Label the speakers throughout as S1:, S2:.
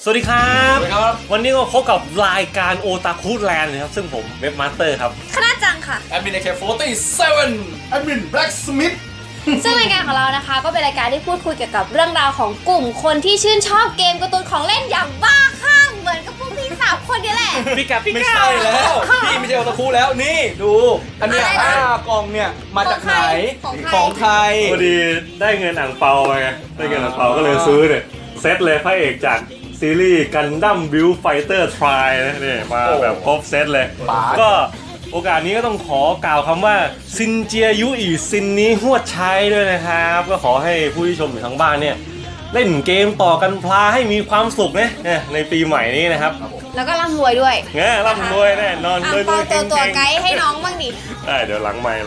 S1: วัสดีครับวันนี้ก็พบกับรายการโอตาคุแลนด์นะครับซึ่งผมเว็บมาสเตอร์ครับ
S2: คณะจังค่ะ
S3: แอดมินAK47
S4: แอดมินแบล็กสมิธ
S2: ซึ่งรายการของเรานะคะก็เป็นรายการที่พูดคุยเกี่ยวกับเรื่องราวของกลุ่มคนที่ชื่นชอบเกมการ์ตูนของเล่นอย่างบ้าคลั่งเหมือนกับพวกพี่สามคนนี่แหละ
S1: พี่กับพี่
S3: ไม่
S1: ก้า
S3: ใช่แล้วพี่ไม่ใช่โอตาคุแล้วนี่ดูอันเนี้ย5 กล่องเนี่ยมาจากไหนของใคร
S1: พอดีได้เงินอ่างเปาไปไงได้เงินอ่างเปาก็เลยซื้อเนี่ยเซตเลยพระเอกจากซีรีส์กันดั้มบิลไฟเตอร์ทรายนะนี่มาแบบครบเซตเลยก็โอกาสนี้ก็ต้องขอกล่าวคำว่าซินเจียยุอีซินนี้หวดใช้ด้วยนะครับก็ขอให้ผู้ที่ชมอยู่ทางบ้านเนี่ยเล่นเกมต่อกันพลาให้มีความสุขนะในปีใหม่นี้นะครับ
S2: แล้วก็ร่ำรวยด้วย
S1: ร่ำรวยแน่นอน
S2: รวยตัวไกด์ให้น้องบ้างดิ
S1: ได้เดี๋ยวหลังไมค์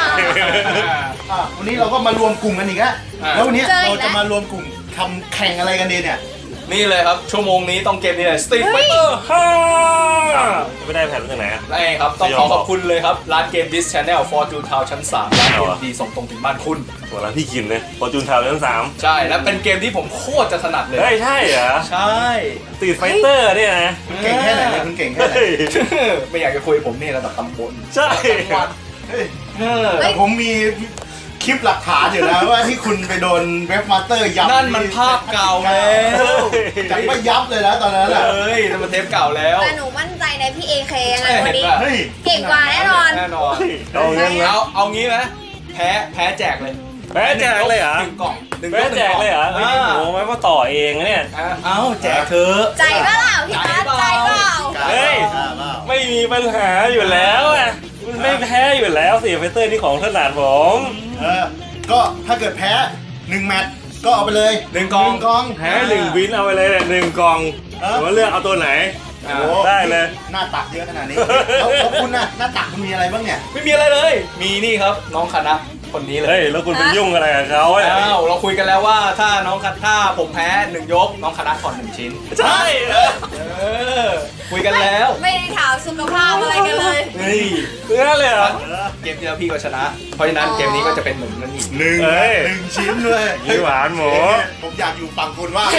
S4: วันนี้เราก็มารวมกลุ่มกันอีกแล้ววันนี้เราจะมารวมกลุ่มทำแข่งอะไรกันดีเนี่ย
S3: นี่เลยครับชั่วโมงนี้ต้องเกมนี้เลย Street Fighter 5
S1: ไม่ได้แผ่นจากไหน
S3: ได้ครับต้องขอบคุณเลยครับร้านเกม This Channel Fortune Town ชั้น 3ร้านเกมดีส่งตรงถึงบ้านคุณ
S1: ตัวร้านที่กินเลยFortune Town ชั้น 3
S3: ใช่และเป็นเกมที่ผมโคตรจะถนัดเลย
S1: ใช่เหรอ
S3: ใช่
S1: Street Fighter เนี่ยนะ
S4: เก่งแค่ไหนเลยคุณเก่งแค่ไหน
S3: ไม่อยากจะคุยผมนี่ระดับตำบล
S1: ใช่
S4: แต่ผมมีคลิปหลักฐานอยู่แล้วว่าที่คุณไปโดนเว็บมาสเตอร์ยับ
S3: นั่นมันภาพเก่าแล้ว
S4: จังไม่ยับเลยนะตอนนั้น
S3: นั่นมันเทปเก่าแล้ว
S2: แต่หนูมั่นใจในพี่ AK ยังไงวันนี้เก่งกว่าแน่นอน
S3: เอางี้ไหมแพ้แจกเลย
S1: แพ้แจกเลยเหรอ
S3: 1 กล่อง
S1: แพ้แจกเลยเหรอโอ้โหไม่ว่าต่อเองเนี่ย
S3: แจกเธอ
S2: ใจเปล่าพี่นัทใจเปล่า
S1: เฮ้ยไม่มีปัญหาอยู่แล้วไม่แพ้อยู่แล้วสิไฟเตอร์นี่ของถนัดผม
S4: ก็ถ้าเกิดแพ้1 แมตช์ก็เอาไปเลย
S3: 1 กล่อง
S1: แพ้1 วินเอาไปเลย1 กล่องว่าเลือกเอาตัวไหนได้เลย
S4: หน้าตักเยอะขนาดนี้แล้วคุณน่ะหน้าตักคุณมีอะไรบ้างเนี่ย
S3: ไม่มีอะไรเลยมีนี่ครับน้องคณะคนนี้เลย
S1: แล้วคุณไปยุ่งอะไรกับเขา
S3: เราคุยกันแล้วว่าถ้าผมแพ้1 ยกน้องคณะถอน1 ชิ้น
S1: ใช่
S3: คุยกันแล้ว
S2: ไม่ได้ถามสุขภาพอะไรกันเลย
S1: เพื่อเลยเหรอ
S3: เกมที่แล้วพี่ก็ชนะเพราะฉะนั้นเกมนี้ก็จะเป็น1 นั่นอีก
S4: 1 ชิ้นเลย
S1: หวานหมู
S4: ผมอยากอยู่ฝั่งคุณว่า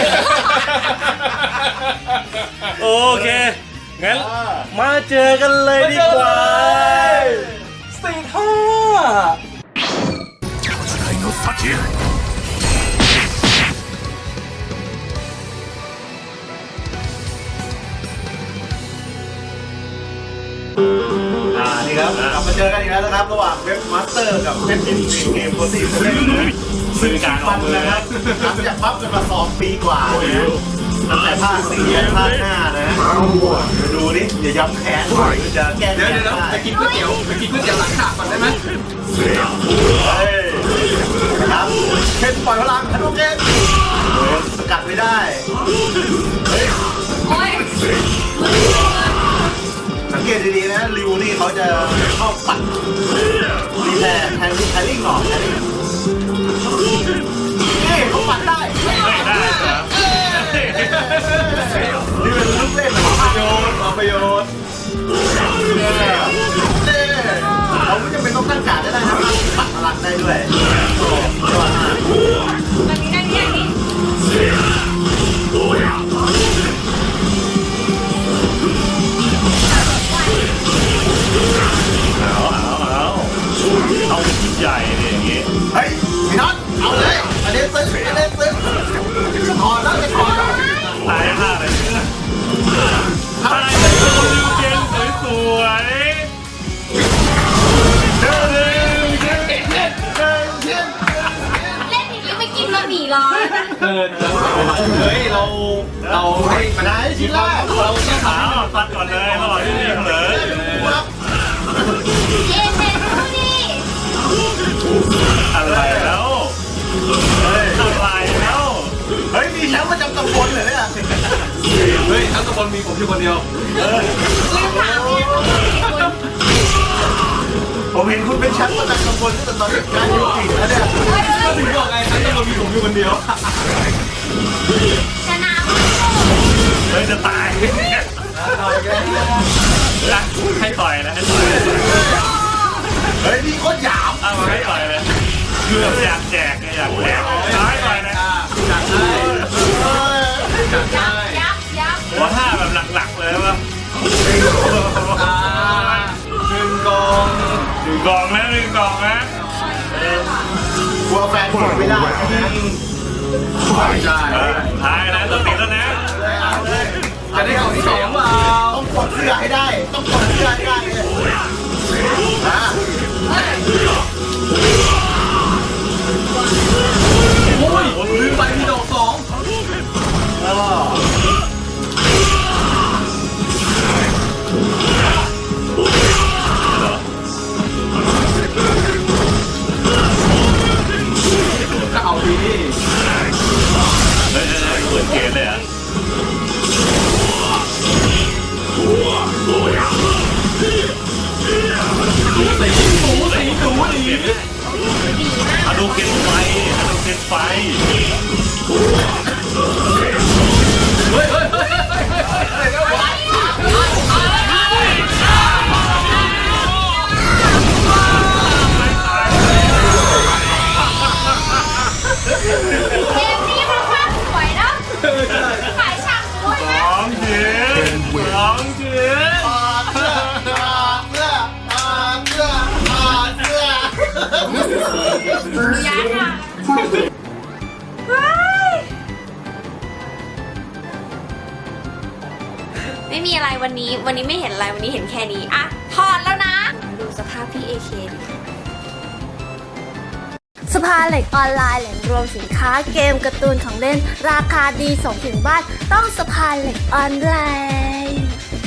S1: โอเคงั้นมาเจอกันเลยดีกว่า
S3: Street 5
S4: นี่ครับกลับมาเจอกันอีกแล้วนะครับระหว่างเว็บมาสเตอร์กับเว็บเกมโปรตีเล่น
S1: ซึ่งการออกมือ
S4: นะครับหลังจากพับกันมา2 ปีกว่าตั้งแต่ภาค4ยันภาค5นะดูดิอย่าย้ำแค้นจะแก้
S3: เดี๋ยวไปกินก๋วยเตี๋ยวหลังฉากก่อนได้ไหม
S4: ครับเช่นปล่อยพลังทันโอเคสกัดไม่ได้สังเกตดีๆนะริวนี่เขาจะชอบปัดรีแพร์แทนแคลริ่งหรอกนี่เขาปัดได้นี่เป็นลูกเล่นประโยชน์เราไม่จำเป็นต้องตั้งการ์ดได้นะปัดพลังได้ด้วย
S1: เอาชิ้นใหญ่เนี่ยอย่างงี้
S4: เฮ้ยพี่น็อตเอาเลยอันนี้ซึ้งถอดแล้วจะถอด
S1: ตายมากเลยตายเป็นตัวลิวเจนสวย
S2: เล่นอย่างนี้ไม่กินบะหมี่ร้อนนะ
S3: เฮ้ยเราให้
S4: มาได้ชิ้นแรก
S3: เราจะถาม
S1: ตัดก่อนเลยระหว่างที่นี่เลยอะไรแล้ว
S4: เฮ้ยมีแชมป์ประจำตำบลเลยเนี่ย
S3: เฮ้ยทั้งตำบลมีผมอยู่คนเดียว
S4: ผมเห็นคุณเป็นแชมป์ประจำตำบลตั้งแต่ตอนการยุติแล้วเนี่ย
S3: ก็ถึงบอกไงทั้งตำบลมีผมอยู่คนเดียว
S2: ชนะ
S1: จะตายให้ต่อยนะ
S4: เฮ้ยนี่โคตรหยาบ
S1: เอามาให้ต่อยเลยคืออยากแจกให้ต่อยนะ
S2: ยับ
S4: ลัวแฟนผมไม่ได้นะ
S3: ใช่
S1: ท้ายนะตัวติดแล้วนะ
S3: จะได้ของที่สองเปล่า
S4: ต้องกดเสื้อให้ได้ต้องกดเสื้อให้ได้เลยนะ
S3: โอ้ยลืมไปมีดอกสอง ก็เอาดี
S1: เฮ้ยเปิดเกมเลยอ่ะ
S3: สูสีดี
S1: อะดูเกนไฟอะดูเกนไฟ
S3: เฮ้ย
S2: เกมนี้มันภาพสวยเนาะขายฉากสวยนะ
S1: ของเถื่อนของเถื่อน
S4: เสื้อเสื้อเสื้อเสื้อ
S2: ย้ายค่ะไม่มีอะไรวันนี้ไม่เห็นอะไรวันนี้เห็นแค่นี้อะถอดแล้วนะดูสภาพพี่เอเคดิสภาเหล็กออนไลน์แหล่งรวมสินค้าเกมการ์ตูนของเล่นราคาดีส่งถึงบ้านต้องสภาเหล็กออนไลน์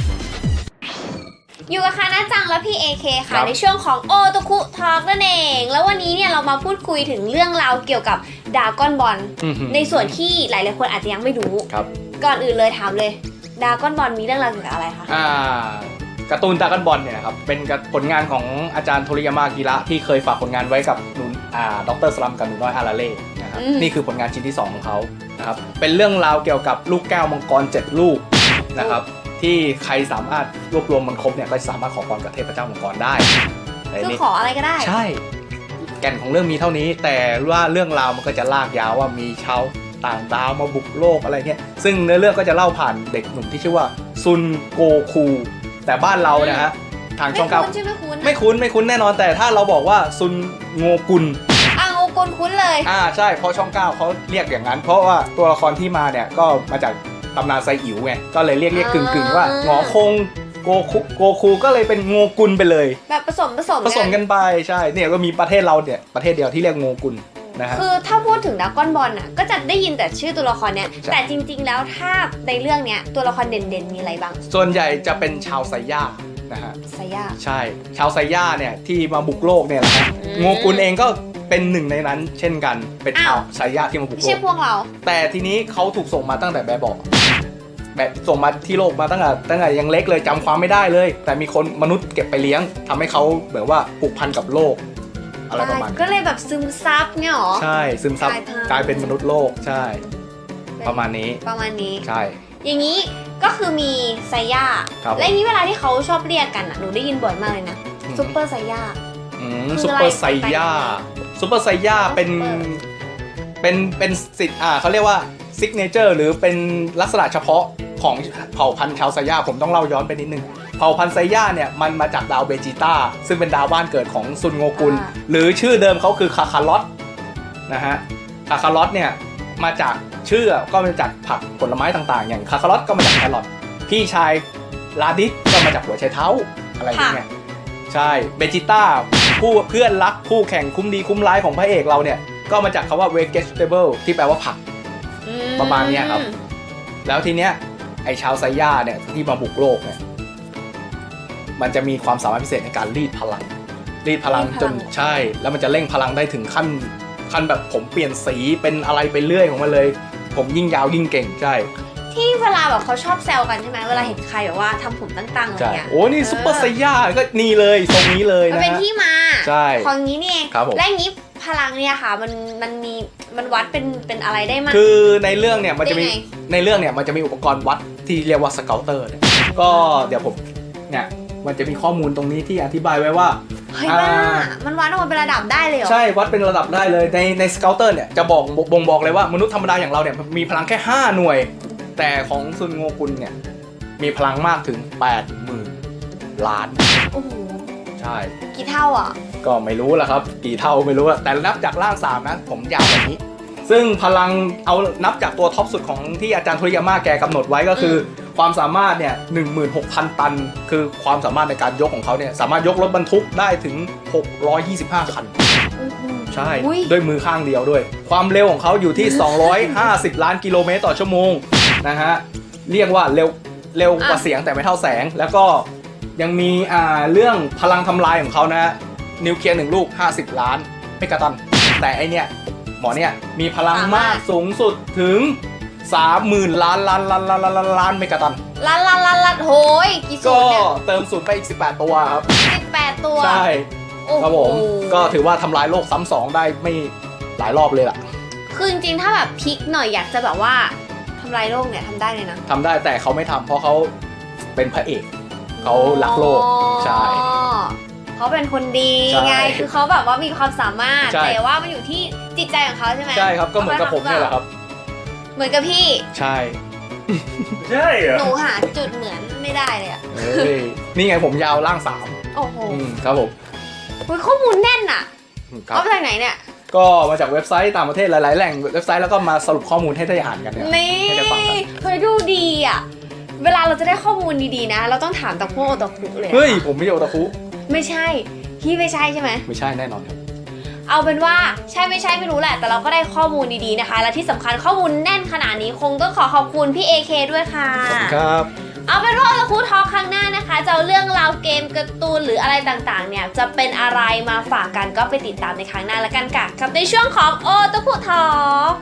S2: อยู่กับคานะจังและพี่ AK ค่ะในช่วงของโอโตคุทอล์กนั่นเองแล้ววันนี้เนี่ยเรามาพูดคุยถึงเรื่องราวเกี่ยวกับดราก้อนบอลในส่วนที่หลายๆคนอาจจะยังไม่รู้
S3: ครับ
S2: ก่อนอื่นเลยถามเลยดราก้อนบอลมีเรื่องราวเกี่ยวกับอะไรคะ
S3: การ์ตูนดราก้อนบอลเนี่ยนะครับเป็นผลงานของอาจารย์โทริยามากิระที่เคยฝากผลงานไว้กับหนูดรสลัมกับหนูน้อยอาราเล่นะครับนี่คือผลงานชิ้นที่ 2 ของเขานะครับเป็นเรื่องราวเกี่ยวกับลูกแก้วมังกร7ลูกนะครับที่ใครสามารถรวบรวมมันครบเนี่ยก็สามารถขอพรกับเทพเจ้ามังกรได้
S2: คือขออะไรก็ได้
S3: ใช่แก่นของเรื่องมีเท่านี้แต่ว่าเรื่องราวมันก็จะลากยาวว่ามีชาวต่างดาวมาบุกโลกอะไรเงี้ยซึ่งเนื้อเรื่องก็จะเล่าผ่านเด็กหนุ่มที่ชื่อว่าซุนโกคูแต่บ้านเรานะฮะทางช่องเก้า
S2: ไม่คุ้นใช่ไหมคุ้น
S3: ไม่คุ้นแน่นอนแต่ถ้าเราบอกว่าซุนโงกุล
S2: โงกุลคุ้นเลย
S3: ใช่เพราะช่องเก้าเขาเรียกอย่างนั้น เพราะว่าตัวละครที่มาเนี่ยก็มาจากตำนานไซอิ๋วไงก็เลยเรียกกึ่งว่าหงอคงโกคูก็เลยเป็นโงกุลไปเลย
S2: แบบผสม
S3: กันไปใช่เนี่ยก็มีประเทศเราเนี่ยประเทศเดียวที่เรียกโงกุลนะฮะ
S2: คือถ้าพูดถึงดราก้อนบอลน่ะก็จะได้ยินแต่ชื่อตัวละครเนี้ย
S3: ใช่
S2: แต่จริงๆแล้วถ้าในเรื่องเนี้ยตัวละครเด่นๆมีอะไรบ้าง
S3: ส่วนใหญ่จะเป็นชาวไซย่านะฮะ
S2: ไซย่า
S3: ใช่ชาวไซย่าเนี่ยที่มาบุกโลกเนี่ยแหละฮะ
S2: อืม
S3: โงกุลเองก็เป็นหนึ่งในนั้นเช่นกันเป็นชาวไซย่าที่มาบุก
S2: ไม่
S3: โล
S2: ใช่
S3: ก
S2: พวกเรา
S3: แต่ทีนี้เขาถูกส่งมาตั้งแต่แบบบอกแบบส่งมาที่โลกมาตั้งแต่ยังเล็กเลยจำความไม่ได้เลย แต่มีคนมนุษย์เก็บไปเลี้ยงทำให้เขาแบบว่าผูกพันกับโลกอะไรประมาณนี้
S2: ก็เลยแบบซึมซับเนี่ยหรอ
S3: ใช่ซึมซับ
S2: กลายพันธุ์
S3: กลายเป็นมนุษย์โลกใช่ประมาณนี้ ใช่
S2: อย่างนี้ก็คือมีไซย่า
S3: ครับ
S2: และอย่างนี้เวลาที่เขาชอบเรียกกันอ่ะหนูได้ยินบ่อยมากเลยนะซุปเปอร์ไซย่า คือ
S3: ซุป
S2: อะไร
S3: เปอร์ไซย่าซุปเปอร์ไซย่าเป็นสิทธิ์เขาเรียกว่าซิกเนเจอร์หรือเป็นลักษณะเฉพาะของเผ่าพันธุ์ชาวไซย่าผมต้องเล่าย้อนไปนิดนึงเผ่าพันธุ์ไซย่าเนี่ยมันมาจากดาวเบจิต้าซึ่งเป็นดาวบ้านเกิดของซุนโงกุลหรือชื่อเดิมเขาคือคาคาลอตนะฮะคาคาลอตเนี่ยมาจากชื่อก็มาจากผักผลไม้ต่างๆ อย่างคาคาลอตก็มาจากแครอทพี่ชายลาดิสก็มาจากหัวไชเท้าอะไรอย่างเงี้ยใช่เบจิต้าผู้เพื่อนรักคู่แข่งคุ้มดีคุ้มร้ายของพระเอกเราเนี่ยก็มาจากคำว่า vegetable ที่แปลว่าผัก ประมาณเนี้ยครับ แล้วทีเนี้ยไอชาวไซย่าเนี่ยที่มาบุกโลกเนี่ยมันจะมีความสามารถพิเศษในการรีดพลังจนใช่แล้วมันจะเร่งพลังได้ถึงขั้นแบบผมเปลี่ยนสีเป็นอะไรไปเรื่อยของมันเลย ผมยิ่งยาวยิ่งเก่งใช่
S2: ที่เวลาแบบเขาชอบแซวกันใช่ไหมเวลาเห็นใครแบบว่าทำผมตั้งๆอะไร
S3: ใช่
S2: เงี้ย
S3: โอ้นี่ซุปเปอร์ไซย่าก็นี่เลยทรงนี้เลย
S2: มัน
S3: นะ
S2: เป็น
S3: ฮะ
S2: ที่มา
S3: ใช่
S2: ของนี้นี่เอง
S3: ครับผม
S2: และอย่างนี้พลังเนี่ยค่ะมันวัดเป็นอะไรได้มั้ย
S3: คือในเรื่องเนี่ยมันจะมี
S2: ได้ไง
S3: ในเรื่องเนี่ยมันจะมีอุปกรณ์วัดที่เรียกว่าสเกลเตอร์เนี่ยก็เดี๋ยวผมเนี่ยมันจะมีข้อมูลตรงนี้ที่อธิบายไว้ว่า
S2: เฮ้ยบ้ามันวัดออกมาเป็นระดับได้เลยเหรอ
S3: ใช่วัดเป็นระดับได้เลยในสเกลเตอร์เนี่ยจะบ่งบอกเลยว่ามนุษย์ธรรมดาอย่างเราเนี่ยมีพลังแค่5หน่วยแต่ของซุนโงกุลเนี่ยมีพลังมากถึง 80,000 ล้าน
S2: โอ้โห
S3: ใช่
S2: กี่เท่าอ่ะ
S3: ก็ไม่รู้ละครับกี่เท่าไม่รู้อะแต่นับจากร่าง3นะผมยาวแบบนี้ ซึ่งพลังเอานับจากตัวท็อปสุดของที่อาจารย์โทริยาม่าแกกำหนดไว้ก็คือความสามารถเนี่ย 16,000 ตัน คือความสามารถในการยกของเขาเนี่ยสามารถยกรถบรรทุกได้ถึง 625 คัน ใช่
S2: อุ๊ย
S3: ด้วยมือข้างเดียวด้วย ความเร็วของเขาอยู่ที่ 250 ล้านกิโลเมตรต่อชั่วโมงนะฮะเรียกว่าเร็วกว่าเสียงแต่ไม่เท่าแสง แล้วก็ยังมีเรื่องพลังทำลายของเขานะฮะนิวเคลียร์1ลูก50 ล้านเมกะตันแต่ไอเนี่ยหมอเนี่ยมีพลังมากสูงสุดถึง 30,000 ล้านเมกะตัน
S2: ลัดโหยกี่สู
S3: ก็
S2: ตรเนี่ย
S3: เติมศูนย์ไปอีก18 ตัวครับ
S2: 18 ตัว
S3: ใช่
S2: โอ้โห
S3: ครับผมก็ถือว่าทำลายโลกซ้ำสองได้ไม่หลายรอบเลยล่ะ
S2: คือจริงๆถ้าแบบพลิกหน่อยอยากจะแบบว่าทำลายโลกเนี่ยทำได้เลยนะ
S3: ทำได้แต่เขาไม่ทำเพราะเขาเป็นพระเอก เขารักโลก ใช่
S2: เขาเป็นคนดี
S3: ใช่
S2: ไง คือเขาแบบว่ามีความสามารถ
S3: ใช่
S2: แต่ว่ามันอยู่ที่จิตใจของเขาใช่ไหม
S3: ใช่ครับก็เหมือนกับผมเนี่ยแหละครับ
S2: เหมือนกับพี่
S3: ใช่
S1: ใช่เหรอ
S2: หนูหาจุดเหมือนไม่ได้เลยอะ
S3: เอ้ยนี่ไงผมยาวร่าง
S2: โอ้โห
S3: 3ครับผม
S2: อุ๊ยข้อมูลแน่นอะ
S3: ครับ
S2: เอามาจากไหนเนี่ย
S3: ก็มาจากเว็บไซต์ต่างประเทศหลายๆแหล่งเว็บไซต์แล้วก็มาสรุปข้อมูลให้ได้อ่านกันเนี่ย
S2: นี่
S3: ให้ได้ฟังกัน
S2: เฮ้ยดูดีอะเวลาเราจะได้ข้อมูลดีๆนะ เราต้องถามตะพวกโอตาคุเลยอะ
S3: เฮ้ยผมไม่ใช่โอตาคุ
S2: ไม่ใช่ พี่ไม่ใช่ใช่ไหม
S3: ไม่ใช่แน่นอนครับ
S2: เอาเป็นว่าใช่ไม่ใช่ไม่รู้แหละ แต่เราก็ได้ข้อมูลดีๆนะคะ และที่สำคัญข้อมูลแน่นขนาดนี้คงต้องขอบคุณพี่ AK ด้วยค่ะ
S3: ขอบคุณครับ
S2: เอาเป็นว่าโอตาคุทอล์คครั้งหน้านะคะจะเอาเรื่องราวเกมการ์ตูนหรืออะไรต่างๆเนี่ยจะเป็นอะไรมาฝากกันก็ไปติดตามในครั้งหน้าแล้วกันค่ะกับในช่วงของโอตาคุทอล์ค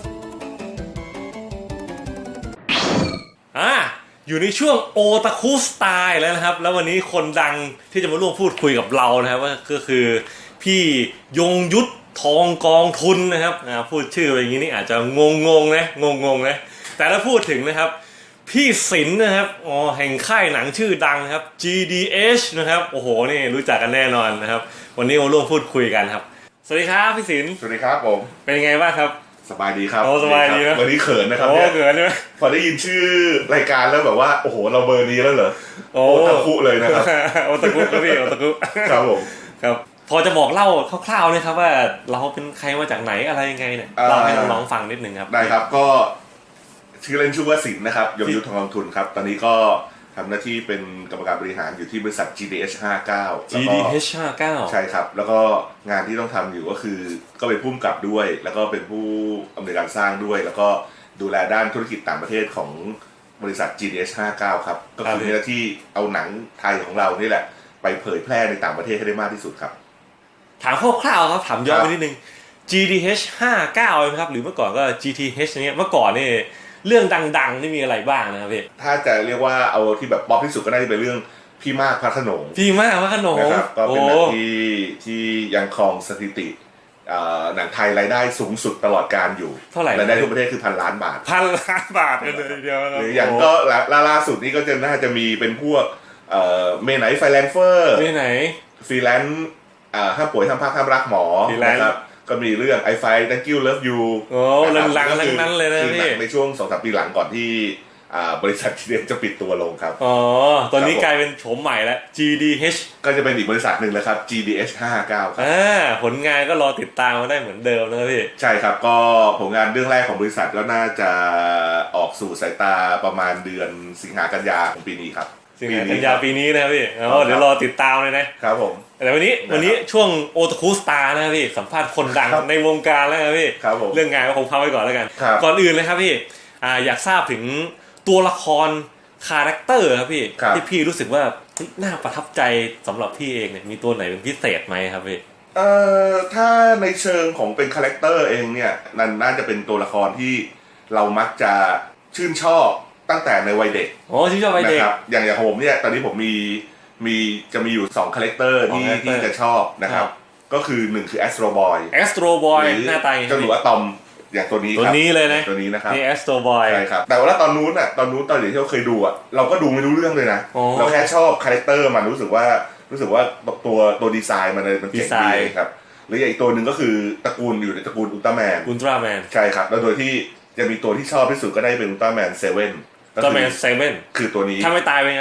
S1: อยู่ในช่วงโอตาคุสไตล์แล้วนะครับแล้ววันนี้คนดังที่จะมาร่วมพูดคุยกับเรานะครับก็คือพี่ยงยุทธทองกองทุนนะครับพูดชื่ออย่างนี้นี่อาจจะงงนะแต่ถ้าพูดถึงนะครับพี่ศิลป์นะครับแห่งค่ายหนังชื่อดังนะครับ GDH นะครับโอ้โหนี่รู้จักกันแน่นอนนะครับวันนี้มาร่วมพูดคุยกันครับสวัสดีครับพี่ศิลป์
S5: สวัสดีครับผม
S1: เป็นไงบ้างครับ
S5: สบายดีครับ
S1: โอ้สบายดีนะ
S5: วันนี้เขินนะครับ
S1: โอ้
S5: เนี่ย
S1: เกิดใช่ไหม
S5: พอได้ยินชื่อรายการแล้วแบบว่าโอ้โหเราเบอร์นี้แล้วเหรอ
S1: โอ้
S5: โอตาคุเลยนะครับ
S1: โอตาคุครับพี่โอตาคุ
S5: ครับผม
S1: ครับพอจะบอกเล่าคร่าวๆเลยครับว่าเราเป็นใครมาจากไหนอะไรยังไงเนี่ยเล่าให้น้องๆฟังนิดนึงครับ
S5: ได้ครับก็ชื่อเล่นชื่อว่าสินนะครับยงยุทธทองกองทุนครับตอนนี้ก็ทำหน้าที่เป็นกรรมการบริหารอยู่ที่บริษัท GDH 59แล้วก็
S1: GDH 59
S5: ใช่ครับแล้วก็งานที่ต้องทำอยู่ก็คือก็เป็นผู้กำกับด้วย แล้วก็เป็นผู้อำนวยการสร้างด้วย แล้วก็ดูแลด้านธุรกิจต่างประเทศของบริษัท GDH 59ครับก็คือมีหน้าที่เอาหนังไทยของเรานี่แหละไปเผยแพร่ในต่างประเทศให้ได้มากที่สุดครับ
S1: ถามคร่าวๆครับถามย้อนไปนิดนึง GDH 59ไหมครับหรือเมื่อก่อนก็ GTH เนี้ยเมื่อก่อนนี่เรื่องดังๆนี่มีอะไรบ้างนะครับพี่
S5: ถ้าจะเรียกว่าเอาที่แบบป๊อปที่สุดก็น่าจะเป็นเรื่องพี่มากพระโขนง
S1: พี่มากว่าขนม
S5: นะครับก็เป็นหนัง
S1: โอ้
S5: ที่ยังครองสถิติหนังไทยรายได้สูงสุดตลอดการอยู่
S1: เท่าไหร่
S5: รายได้ทั่วประเทศคือ1,000 ล้านบาท
S1: 1,000 ล้านบาทกันเลยทีเดียวนะ
S5: หรืออย่างก็ล่าสุดนี่ก็จะน่าจะมีเป็นพวกเมไหนไฟแลนเฟอร์
S1: ที่ไหน
S5: ฟรีแลนซ์ห้ามป่วยห้ามพักห้ามรักหมอ
S1: Freelance
S5: นะครับก็มีเรื่อง I Fight Thank You Love You
S1: โอ้ลังๆทั้งนั้นเลยนะ
S5: คือห
S1: พี่
S5: นังในช่วง 2-3 ปีหลังก่อนที่บริษัททีเดียจะปิดตัวลงครับ
S1: อ๋อตอนนี้กลายเป็นโฉมใหม่แล้ว GDH
S5: ก็จะเป็นอีกบริษัทหนึ่งแล้วครับ GDH 59ครับ
S1: ผลงานก็รอติดตามมาได้เหมือนเดิมนะครับพี่
S5: ใช่ครับก็ผลงานเรื่องแรกของบริษัทก็น่าจะออกสู่สายตาประมาณเดือนสิงหากันยาของปีนี้ครับ
S1: สิงหากันยาปีนี้นะครับพี่เดี๋ยวรอติดตามเลยนะครับ
S5: ผม
S1: แต่วันนี้ช่วงโอตาคุสตาร์นะครับพี่สัมภาษณ์คนดัง
S5: ครับ
S1: ในวงการแล้วครับพี่
S5: ครับผม
S1: เรื่องงานก็คงพักไว้ก่อนแล้วกัน
S5: ครับ
S1: ก่อนอื่นเลยครับพี่อยากทราบถึงตัวละครคาแรคเตอร์ครับพี่
S5: ครับ
S1: ที่พี่รู้สึกว่าเฮ้ยน่าประทับใจสำหรับพี่เองเนี่ยมีตัวไหนเป็นพิเศษไหมครับพี่
S5: ถ้าในเชิงของเป็นคาแรคเตอร์เองเนี่ยนั่นน่าจะเป็นตัวละครที่เรามักจะชื่นชอบตั้งแต่ในวัยเด็ก
S1: อ๋อที่ชอบไป
S5: นะ
S1: เด็ก
S5: ครับอย่างของผมเนี่ยตอนนี้ผมจะมีอยู่2คาแรคเตอร์ที่
S1: character
S5: ที่จะชอบนะครับ
S1: ครับ
S5: ก็คือ1คือ Astro Boy
S1: Astro Boy
S5: หรือ
S1: หน้าตาอย่าง
S5: เจ้าหนู
S1: นี้
S5: อะตอมอย่างตัวนี้
S1: ตัว
S5: ครับ
S1: นี้เลยนะ
S5: ตัวนี้นะครับ
S1: นี่ Astro Boy
S5: ใช่ครับแต่ว่าตอนนู้นตอนเด็กที่เราเคยดูเราก็ดูไม่รู้เรื่องเลยนะ
S1: อ๋อ
S5: เราแค่ชอบคาแรคเตอร์มันรู้สึกว่าตัวดีไซน์มันเจ๋ง
S1: ดีไซ
S5: ดี
S1: น์
S5: ครับหรืออีกตัวหนึ่งก็คือตระกูลอยู่ในตระกูลอุลตร้าแมน
S1: อุลตร้าแมน
S5: ใช่ครับแล้วโดยที่จะมีตัวที่ชอบที่สุดก็ได้เป็นอุลตร้าแมนเซเว่น
S1: อุลตร้าแมนเซเว่น
S5: คือตัวนี้
S1: ถ้าไม่ตายเป็นไงพี่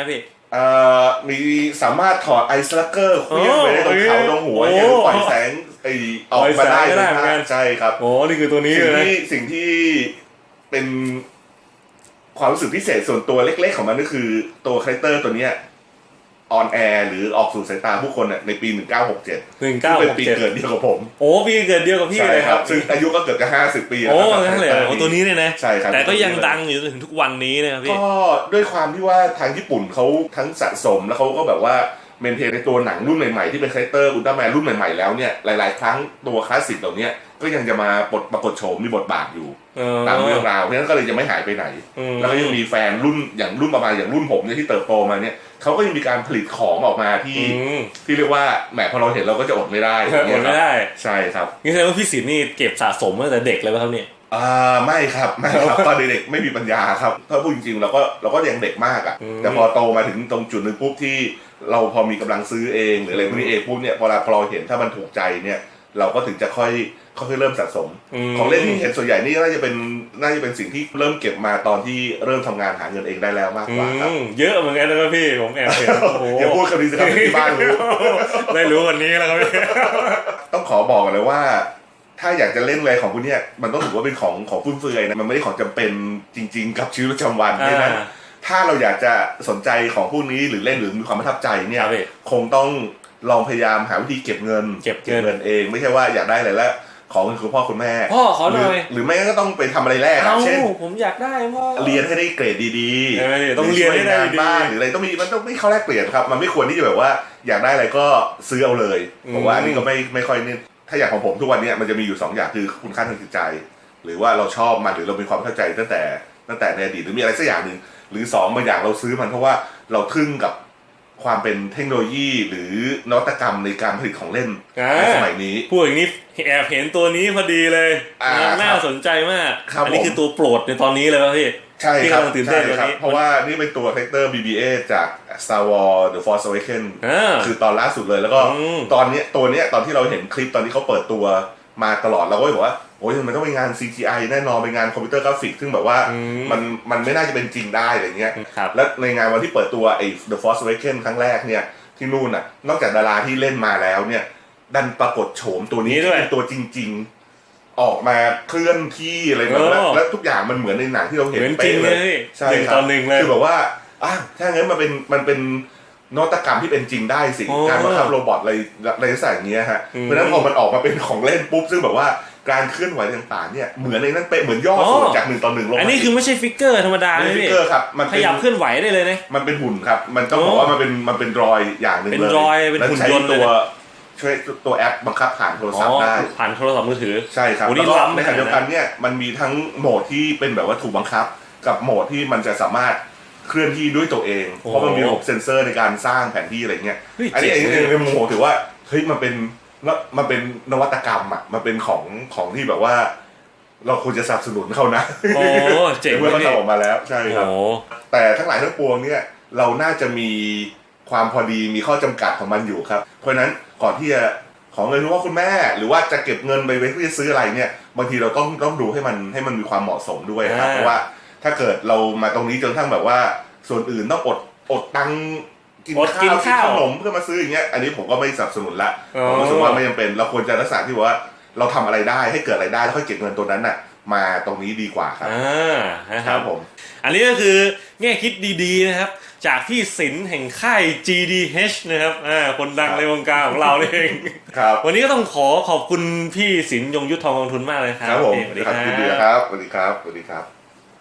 S5: มีสามารถถอดไอซ์ลักเกอร์เคลื่อนไปได้ตรงเขาตรงหัวเนี่ยหรือปล่อยแสงออกมาได้เลยนะใช่ครับ
S1: โอ้นี่คือตัวนี้เลยนะ
S5: สิ่งที่เป็นความรู้สึกพิเศษส่วนตัวเล็กๆของมันก็คือตัวคาแรคเตอร์ตัวเนี้ยออนแอร์หรือออกสู่สายตาผู้คนในปี 1967เป็นปีเกิดเดียวกับผม
S1: โอ้ปีเกิดเดียวกับพี่เลยครับ
S5: ซึ่งอายุก็เกือบจะ50 ปีแล้ว
S1: โอ้นั่นเลยโอ้ตัวนี้เนี่ยนะ
S5: ใช่ครับ
S1: แต่ก็ยังดังอยู่จนถึงทุกวันนี้นะครับพี่
S5: ก็ด้วยความที่ว่าทางญี่ปุ่นเขาทั้งสะสมแล้วเขาก็แบบว่าเมนเทนในตัวหนังรุ่นใหม่ๆที่เป็นคาแรคเตอร์อุลตร้าแมนรุ่นใหม่ๆแล้วเนี่ยหลายๆครั้งตัวคลาสสิกเหล่านี้ก็ยังจะมาปรากฏโฉมมีบทบาทอยู่ตามเรื่องราวเพราะฉะนั้นก็เลยจะไม่หายไปไหนแล้วก็ยังมีแฟนรุ่นอย่างรุ่นประมาณอย่างรุ่นผมเนี่ยที่เติบโตมาเนี่ยเขาก็ยังมีการผลิตของออกมาที่เรียกว่าแหมพอเราเห็นเราก็จะอดไม่ได้
S1: อดไม่ได้
S5: ใช่ครับ
S1: นี่แสดงว่าพี่ศิลป์นี่เก็บสะสมมาตั้งแต่เด็กเลยป่ะครับเนี่ย
S5: ไม่ครับตอนเด็กๆไม่มีปัญญาครับถ้าพูดจริงๆเราก็ยังเด็กมากอ่ะแต่พอโตมาถึงตรงจุดนึงปุ๊บที่เราพอมีกำลังซื้อเองหรืออะไรพวกนี้เองปุ๊บเนี่ยพอเราเห็นถ้ามันถูกใจเนี่ยเราก็ถึงจะค่อยเริ่มสะสมของเล่นที่เห็นส่วนใหญ่นี่น่าจะเป็นสิ่งที่เริ่มเก็บมาตอนที่เริ่มทำงานหาเงินเองได้แล้วมากกว่าครับ
S1: เยอะเหมือนกันนะพี่ผมแอบเห็น
S5: อย่าพูดคำนี้สิครับที่บ้านรู้
S1: ได้รู้วันนี้แล้วครับพี่
S5: ต้องขอบอกเลยว่าถ้าอยากจะเล่นอะไรของพวกนี้มันต้องถือว่าเป็นของฟุ่มเฟือยนะมันไม่ได้ของจำเป็นจริงๆกับชีวิตประจำวันเพราะฉะนั้นถ้าเราอยากจะสนใจของพวกนี้หรือเล่นหรือมีความประทับใจเนี่ยคงต้องลองพยายามหาวิธีเก็บเงินเองไม่ใช่ว่าอยากได้อะไรแล้วของคุณพ่อคุณแม่
S1: พ่อขอหน่อย
S5: หรือไม่ก็ต้องไปทำอะไรแรกเช่น
S1: ผมอยากได้พ่อ
S5: เรียนให้ได้เกรดดี
S1: ๆต้องเรียนให้ได้
S5: บ้างหรืออะไรมันต้องไม่เข้าแลกเปลี่ยนครับมันไม่ควรที่จะแบบว่าอยากได้อะไรก็ซื้อเอาเลยผมว่าอันนี้ก็ไม่ค่อยนี่ถ้าอย่างของผมทุกวันนี้มันจะมีอยู่2อย่างคือคุณค่าทางจิตใจหรือว่าเราชอบมันหรือเรามีความเข้าใจตั้งแต่ในอดีตหรือมีอะไรสักอย่างนึงหรือ2บางอย่างเราซื้อมันเพราะว่าเราทึ่งกับความเป็นเทคโนโลยีหรือนวัตกรรมในการผลิตของเล่นในสมัยนี้
S1: พูดอย่างนี้แอบเห็นตัวนี้พอดีเลยน่าสนใจมากอันนี้คือตัวโปรดในตอนนี้เลยป่ะพี่
S5: ใช่ครับตื่นเต้นตัวนี้เพราะว่านี่เป็นตัวคาแรคเตอร์ BB-8 จาก Star Wars The Force Awakens คือตอนล่าสุดเลยแล้วก็ตอนนี้ตัวนี้ตอนที่เราเห็นคลิปตอนที่เขาเปิดตัวมาตลอดเราก็บอกว่าโอ้ยมันต้องเป็นงาน CGI แน่นอนเป็นงานคอมพิวเตอร์กราฟิกซึ่งแบบว่ามันไม่น่าจะเป็นจริงได้อะไรเงี้ยแล้วในงานวันที่เปิดตัวไอ้ The Force Awakens ครั้งแรกเนี่ยที่นู่นน่ะนอกจากดาราที่เล่นมาแล้วเนี่ยดันปรากฏโฉมตัวนี้ที่เป็นตัวจริงๆออกมาเคลื่อนที่อะไรแบบนั้นแล้วทุกอย่างมันเหมือนในหนังที่เราเห็น
S1: เป๊ะเลยใช่ครับ
S5: คือแบบว่าถ้างั้นมันเป็นนวัตกรรมที่เป็นจริงได้สิการบังคับโรบอทอะไรสักอย่างเงี้ยฮะเพราะฉะนั้นพอมันออกมาเป็นของเล่นปุ๊บซึ่งแบบว่าการเคลื่อนไหวต่างๆเนี่ยเหมือนในนั้นเป๊ะเหมือนย่อส่วนจาก1 ต่อ 1ลง
S1: อันนี้คือไม่ใช่ฟิกเกอร์ธรรมดา
S5: ไม่ฟิกเกอร์ครับ
S1: มันขยับเคลื่อนไหวได้เลยนะ
S5: มันเป็นหุ่นครับมันต้องบอกว่ามันเป็นรอยอย่างนึงเลย
S1: เป็นรอยเป็นหุ่นยนต์
S5: ตัวช่วยตัวแอปบังคับผ่านโทรศัพท์ได้
S1: ผ่านโทรศัพท์มือถือ
S5: ใช่ครับแล้วก็ในขณะเดียวกันเนี่ยมันมีทั้งโหมดที่เป็นแบบว่าถูกบังคับกับโหมดที่มันจะสามารถเคลื่อนที่ด้วยตัวเองเพราะมันมีระบบเซ็นเซอร์ในการสร้างแผนที่อะไรเงี้ยอันนี้ในมุมผมถือว่าเฮ้ยมันเป็นนวัตกรรมอ่ะมันเป็นของที่แบบว่าเราควรจะสนับสนุนเขานะ
S1: เจ๋ง
S5: เมื่อเขาทำออกมาแล้วใช่ครับแต่ทั้งหลายทั้งปวงเนี่ยเราน่าจะมีความพอดีมีข้อจำกัดของมันอยู่ครับเพราะฉะนั้นก่อนที่จะขอเงินคุณพ่อคุณแม่หรือว่าจะเก็บเงินไปเพื่อจะซื้ออะไรเนี่ยบางทีเราต้องดูให้มันมีความเหมาะสมด้วยครับเพราะว่าถ้าเกิดเรามาตรงนี้จนทั้งแบบว่าส่วนอื่นต้องอดตังกินข้าวขนมเพื่อมาซื้ออย่างเงี้ยอันนี้ผมก็ไม่สนับสนุนละผมรู้สึกว่าไม่จำเป็นเราควรจะรักษาที่ว่าเราทำอะไรได้ให้เกิดอะไรได้แล้วค่อยเก็บเงินตัวนั้นน่ะมาตรงนี้ดีกว่าครับ
S1: นะครับผมอันนี้ก็คือแง่คิดดีๆนะครับจากพี่ศิลป์แห่งค่าย GDH นะครับคนดังในวงการของเราเองวันนี้ก็ต้องขอบคุณพี่ศิลป์ยงยุทธทองกองทุนมากเลยครับ
S5: ครับผมสวัสดีครับสวัสดีครับสวัสดีครับ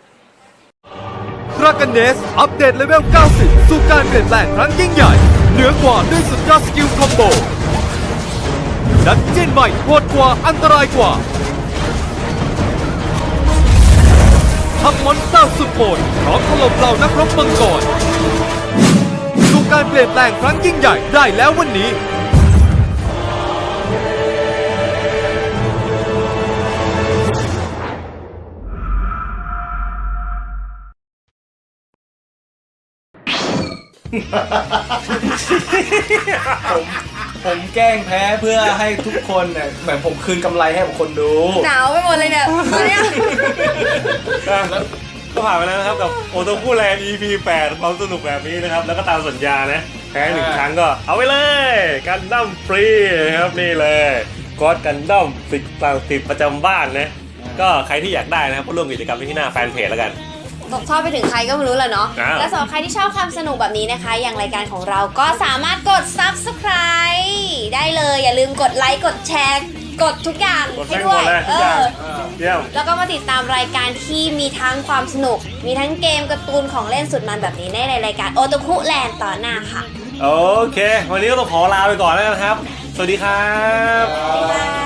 S6: Dragon Nest อัปเดตเลเวล 90 สู่การเปลี่ยนแปลงครั้งยิ่งใหญ่เหนือกว่าด้วยสุดยอดสกิลคอมโบดันเจี้ยนใหม่โหดกว่าอันตรายกว่าทัพมอนสเตอร์สุดโหดพร้อมถล่มเหล่านักรบมังกรสู่การเปลี่ยนแปลงครั้งยิ่งใหญ่ได้แล้ววันนี้
S3: ผมแกล้งแพ้เพื่อให้ทุกคนเนี่ยเหมือนผมคืนกำไรให้กับคนดู
S2: หนาวไปหมดเลยเนี่ยตอนนี้
S1: ก็ผ่านไปแล้วนะครับกับโอโตคุแลนด์ EP 8 ความสนุกแบบนี้นะครับ แล้วก็ตามสัญญานะแพ้1 ครั้งก็เอาไปเลยกันดั้มฟรีนะครับนี่เลยกอดกันดั้มติดประจำบ้านนะก็ใครที่อยากได้นะครับก็ร่วมกิจกรรมที่หน้าแฟนเพจแล้วกัน
S2: ชอบไปถึงใครก็ไม่รู้แหละเนาะ
S1: อ้าว
S2: และสำหรับใครที่ชอบความสนุกแบบนี้นะคะ อย่างรายการของเราก็สามารถกด subscribe ได้เลย อย่าลืมกดไลค์ กดแชร์ กดทุกอย่าง
S1: กด
S2: ให้
S1: แจ้ง
S2: ด้
S1: ห
S2: ว
S1: ม
S2: ย
S1: ดเลยทุกอย่างเยี่ยม
S2: แล้วก็มาติดตามรายการที่มีทั้งความสนุก มีทั้งเกมการ์ตูนของเล่นสุดมันแบบนี้ในรายการโอโตคุแลนด์ต่อหน้าค่ะ
S1: โอเค วันนี้ก็ต้องขอลาไปก่อนแล้วกันครับ สวัสดีครับ
S2: บ๊ายบาย